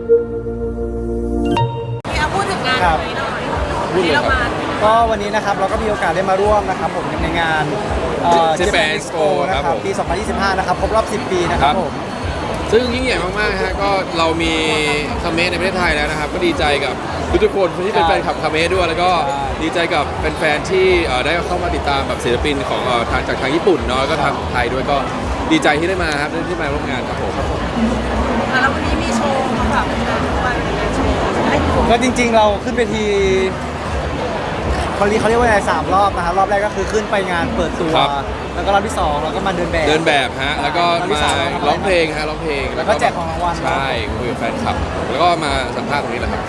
พูดถึงงานวันนี้หน่อยวันนี้เรามาก็วันนี้นะครับเราก็มีโอกาสได้มาร่วมนะครับผมในงาน Japan Expo นะครับปี 2025 นะครับครบรอบ 10 ปีนะครับผมซึ่งยิ่งใหญ่มากๆฮะก็เรามีคาเมะในประเทศไทยแล้วนะครับก็ดีใจกับทุกคนที่เป็นแฟนคลับคาเมะด้วยแล้วก็ดีใจกับแฟนๆที่ได้เข้ามาติดตามแบบศิลปินของจากทางญี่ปุ่นเนาะก็ทางไทยด้วยก็ดีใจที่ได้มาครับที่มาร่วมงานครับผมแล้ววันนี้มีโชว์มาฝากแฟนๆด้วยโชว์ก็จริงๆเราขึ้นไปทีเขาเรียกว่าอะไร3 รอบนะครับรอบแรกก็คือขึ้นไปงานเปิดตัวแล้วก็รอบที่2เราก็มาเดินแบบฮะแล้วก็มาร้องเพลงฮะร้องเพลงแล้วก็แจกของรางวัลใช่คุยกับแฟนคลับแล้วก็มาสัมภาษณ์ตรงนี้แหละครับ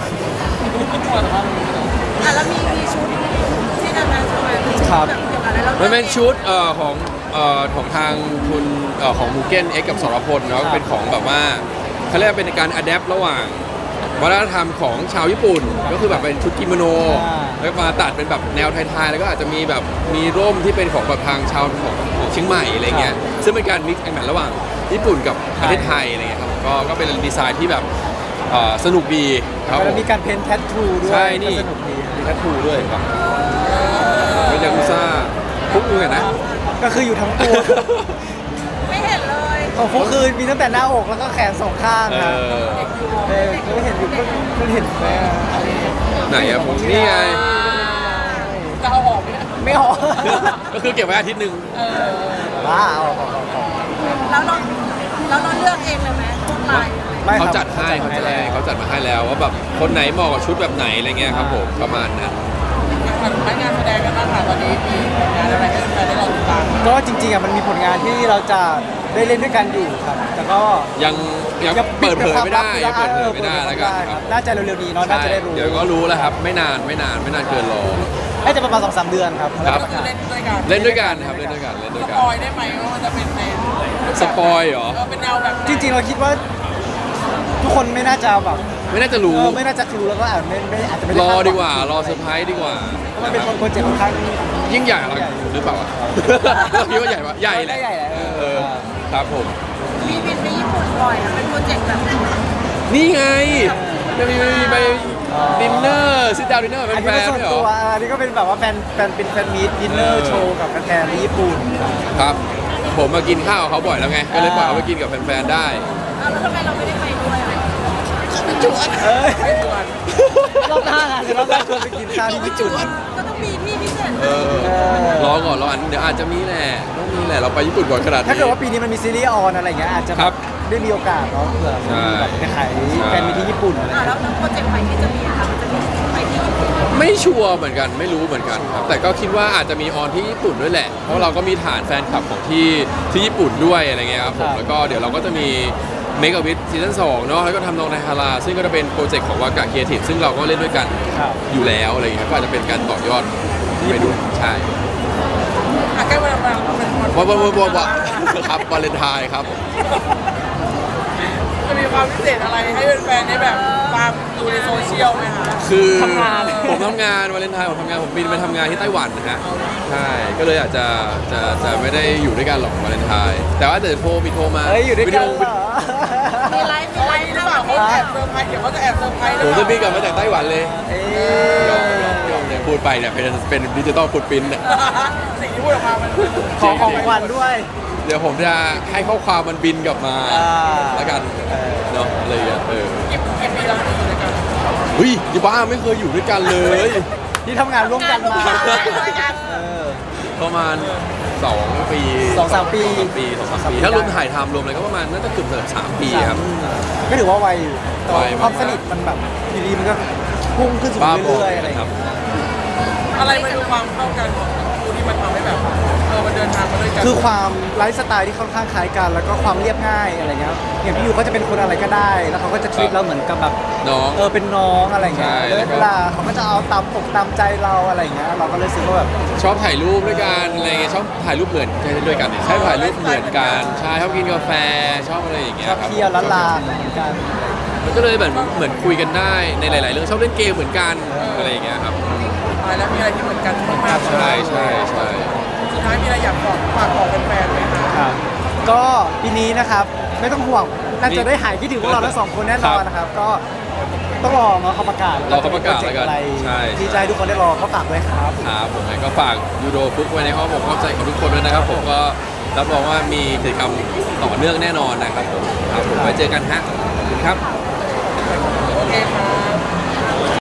แล้วมีชุดที่นำมาโชว์ครับมันเป็นชุดของทางคุณของมูเก้นเอ็กกับสรพลเนาะเป็นของแบบว่าเขาเรียกเป็นการอะแดประหว่างวัฒนธรรมของชาวญี่ปุ่นก็คือแบบเป็นชุดกิโมโนแล้วมาตัดเป็นแบบแนวไทยๆแล้วก็อาจจะมีแบบมีร่มที่เป็นของแบบทางชาวของเชียงใหม่อะไรเงี้ยซึ่งเป็นการมิกซ์แอนด์แมทระหว่างญี่ปุ่นกับประเทศไทยอะไรเงี้ยครับก็เป็นดีไซน์ที่แบบสนุกดีครับแล้วมีการเพ้นท์แทททูด้วยใช่นี่มีแทททูด้วยครับเป็นยากุซ่าฟุกอยู่กันนะก็คืออยู่ทั้งตัวไม่เห็นเลยของฟุกคือมีตั้งแต่หน้าอกแล้วก็แขน2 ข้างนะไม่เห็นอยู่ก็เห็นไหนอะผมนี่ไงจะเอาออกไม่ออกก็คือเก็บไว้อาทิตย์นึงว้าเอาแล้วเราเลือกเองเลยไหมพวกลายเขาจัดให้เขาจัดมาให้แล้วว่าแบบคนไหนเหมาะกับชุดแบบไหนอะไรเงี้ยครับผมประมาณนั้นงานแสดงกันบ้างค่ะตอนนี้มีงานอะไรให้แฟนได้รอติดตามก็จริงๆมันมีผลงานที่เราจะได้เล่นด้วยกันอยู่ครับแต่ก็ยังเปิดเผยไม่ได้แล้วกันครับน่าจะเร็วๆนี้เนาะน่าจะได้รู้เดี๋ยวก็รู้แล้วครับไม่นานเกินรอน่าจะประมาณ 2-3 เดือนครับเล่นด้วยกันครับเล่นด้วยกันสปอยได้ไหมว่ามันจะเป็นในสปอยเหรอเป็นแนวแบบจริงๆเราคิดว่าทุกคนไม่น่าจะแบบไม่น่าจะรู้ไม่น่าจะรู้แล้วก็อาจจะไม่รอดีกว่ารอเซอร์ไพรส์ดีกว่ามันเป็นโปรเจกต์ค่อนข้างยิ่งใหญ่หรือเปล่าคิดว่าใหญ่ปะใหญ่แหละครับผมมีบินไปญี่ปุ่นบ่อยเป็นโปรเจกต์แบบนี่ไงจะมีไปดินเนอร์ซิดดาวดินเนอร์เป็นแฟนเหรออันนี้ก็เป็นแบบว่าแฟนเป็นแฟนมีตดินเนอร์โชว์กับแฟนที่ญี่ปุ่นครับผมมากินข้าวเขาบ่อยแล้วไงก็เลยปล่อยเขาไปกินกับแฟนๆได้แล้วทำไมเราไม่ได้ไปด้วยไม่ชวนรอบหน้าชวนไปกินข้าวที่ญี่ปุ่นก็ต้องมีที่พิเศษรอก่อนเดี๋ยวอาจจะมีแหละต้องมีแหละเราไปญี่ปุ่นก่อนขนาดนี้ถ้าเกิดว่าปีนี้มันมีซีรีส์ออนอะไรเงี้ยอาจจะได้มีโอกาสเนาะเผื่อแบบไปขายแฟนมีที่ญี่ปุ่นแล้วโปรเจกต์ใหม่ที่จะมีค่ะมันจะมีไปที่ญี่ปุ่นไม่ชัวร์เหมือนกันไม่รู้เหมือนกันครับแต่ก็คิดว่าอาจจะมีออนที่ญี่ปุ่นด้วยแหละเพราะเราก็มีฐานแฟนคลับของที่ญี่ปุ่นด้วยอะไรเงี้ยครับผมแล้วก็เดี๋ยวเราก็จะมีเมกะวิทซีซั่น2เนาะแล้วก็ทำนองในฮาราซึ่งก็จะเป็นโปรเจกต์ของวากาครีเอทีฟซึ่งเราก็เล่นด้วยกันอยู่แล้วอะไรอย่างเงี้ยก็อาจจะเป็นการต่อยอดไปดูใช่ใกล้วันครับวาเลนไทน์ครับจะมีความพิเศษอะไรให้แฟนๆได้แบบตามดูในโซเชียลไหมคะคือผมทำงานวาเลนไทน์ผมบินไปทำงานที่ไต้หวันนะฮะใช่ก็เลยอาจจะไม่ได้อยู่ด้วยกันหรอกวาเลนไทน์แต่ว่าเดี๋ยวมีโทรมาอยู่ด้วยกันมีไลฟ์หรือเปล่าเขาแอบเซอร์ไพรส์เดี๋ยวเขาจะแอบเซอร์ไพรส์ผมจะบินกลับมาจากไต้หวันเลยยอมเนี่ยพูดไปเนี่ยเป็นดิจิตอลฟุตปริ้นท์เนี่ยสิ่งที่พูดออกมามันของขวัญด้วยเดี๋ยวผมจะให้ข้อความมันบินกลับมาแล้วกันเนาะอะไรอย่างเงี้ยกี่ปีแล้วอยู่ด้วยกันเฮ้ยยี่บ้าไม่เคยอยู่ด้วยกันเลยที่ทำงานร่วมกันมาประมาณ2 ปี 2-3 ปีถ้ารวมถ่ายทำรวมอะไรก็ประมาณน่าจะเกือบ3 ปีครับก็ถือว่าไวอยู่ความสนิทมันแบบดีๆมันก็พุ่งขึ้นสูงเรื่อยๆอะไรครับอะไรมันคือความเข้ากันของคู่ที่มันทำให้แบบมันเดินทางมาด้วยกันคือความไลฟ์สไตล์ที่ค่อนข้างคล้ายกันแล้วก็ความเรียบง่ายอะไรเงี้ยอย่างพี่ยูเขาจะเป็นคนอะไรก็ได้แล้วเขาก็จะทรีตเราเหมือนกับแบบน้องเป็นน้องอะไรเงี้ยเวลาเขาก็จะเอาตามอกตามใจเราอะไรเงี้ยเราก็เลยรู้สึกว่าแบบชอบถ่ายรูปด้วยกันอะไรเงี้ยชอบถ่ายรูปเหมือนกันด้วยกันใช่ถ่ายรูปเหมือนกันใช่ชอบกินกาแฟชอบอะไรอย่างเงี้ยชอบเที่ยวล้านลาเหมือนกันมันก็เลยเหมือนคุยกันได้ในหลายๆเรื่องชอบเล่นเกมเหมือนกันอะไรอย่างเงี้ยครับแล้วมีอะไรที่เหมือนกันมากใช่สุดท้ายมีอะไรอยากฝากบอกแฟนๆไหมครับก็ปีนี้นะครับไม่ต้องห่วงน่าจะได้หายคิดถึงพวกเราทั้งสองคนแน่นอนนะครับก็ต้องรอเขาประกาศรอเขาประกาศแล้วกันอะไรใช่ที่จะให้ทุกคนได้รอก็ฝากด้วยครับครับผมก็ฝากยูโรฟุกไว้ในอ้อมอกอ้อมใจของทุกคนด้วยนะครับผมก็รับรองว่ามีกิจกรรมต่อเนื่องแน่นอนนะครับผมครับผมไว้เจอกันฮะขอบคุณครับโอเคค่ะ